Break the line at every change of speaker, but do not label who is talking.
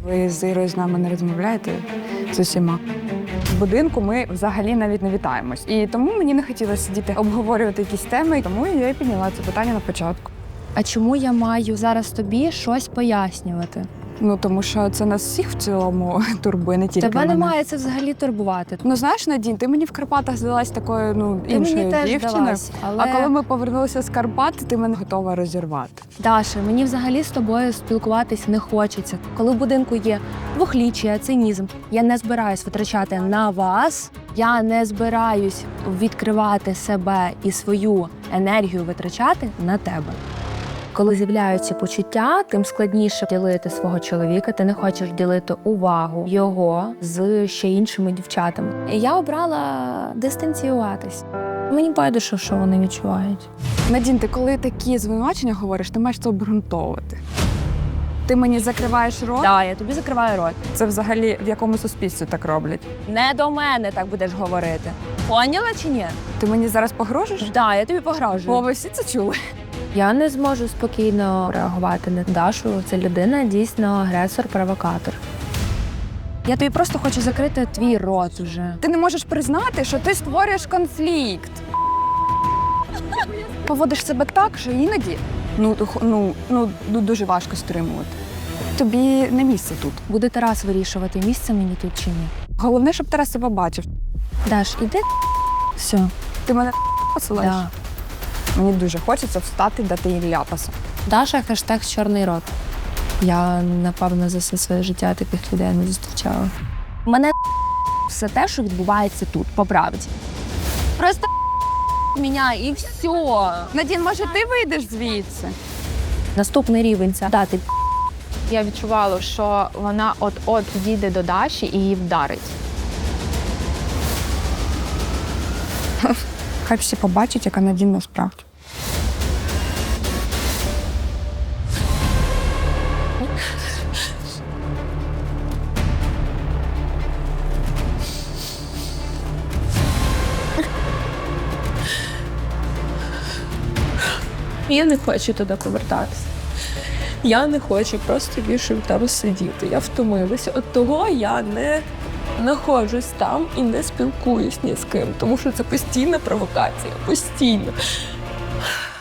Ви з Ірою з нами не розмовляєте з усіма. В будинку ми взагалі навіть не вітаємось. І тому мені не хотілося сидіти обговорювати якісь теми, тому я і підняла це питання на початку.
А чому я маю зараз тобі щось пояснювати?
Ну, тому що це нас всіх в цілому турбує, не тільки
Тебе
мене.
не має це взагалі турбувати.
Ну, знаєш, Надінь, ти мені в Карпатах здалась такою,
Ти
іншою
мені теж
дівчиною.
здалась, але...
А коли ми повернулися з Карпат, ти мене готова розірвати.
Даша, мені взагалі з тобою спілкуватись не хочеться. Коли в будинку є двохліччя, цинізм, я не збираюсь витрачати на вас, я не збираюсь відкривати себе і свою енергію витрачати на тебе. Коли з'являються почуття, тим складніше ділити свого чоловіка, ти не хочеш ділити увагу його з ще іншими дівчатами. І я обрала дистанціюватись. Мені байдуже, що вони відчувають.
Надін, ти коли такі звинувачення говориш, ти маєш це обґрунтовувати. Ти мені закриваєш рот?
Так, я тобі закриваю рот.
Це взагалі в якому суспільстві так роблять?
Не до мене так будеш говорити. Поняла чи ні?
Ти мені зараз погрожуєш?
Так, я тобі погрожую.
О, ви всі це чули?
Я не зможу спокійно реагувати на Дашу. Це людина дійсно агресор-провокатор. Я тобі просто хочу закрити твій рот вже.
Ти не можеш признати, що ти створюєш конфлікт. Поводиш себе так, що іноді дуже важко стримувати. Тобі не місце тут.
Буде Тарас вирішувати, місце мені тут чи ні.
Головне, щоб Тарас себе бачив.
Даш, іди. Все.
Ти мене посилаєш?
Да.
Мені дуже хочеться встати, дати їй ляпаса.
Даша хештег чорний рот. Я, напевно, за все своє життя таких людей не зустрічала. Мене все те, що відбувається тут, по правді. Просто мене і все.
Надін, може, ти вийдеш звідси?
Наступний рівень це дати.
Я відчувала, що вона от-от дійде до Даші і її вдарить.
Хай всі побачать, яка Надін насправді.
Я не хочу туди повертатися. Я не хочу просто більше там сидіти. Я втомилася. От того я не знаходжусь там і не спілкуюсь ні з ким, тому що це постійна провокація. Постійно.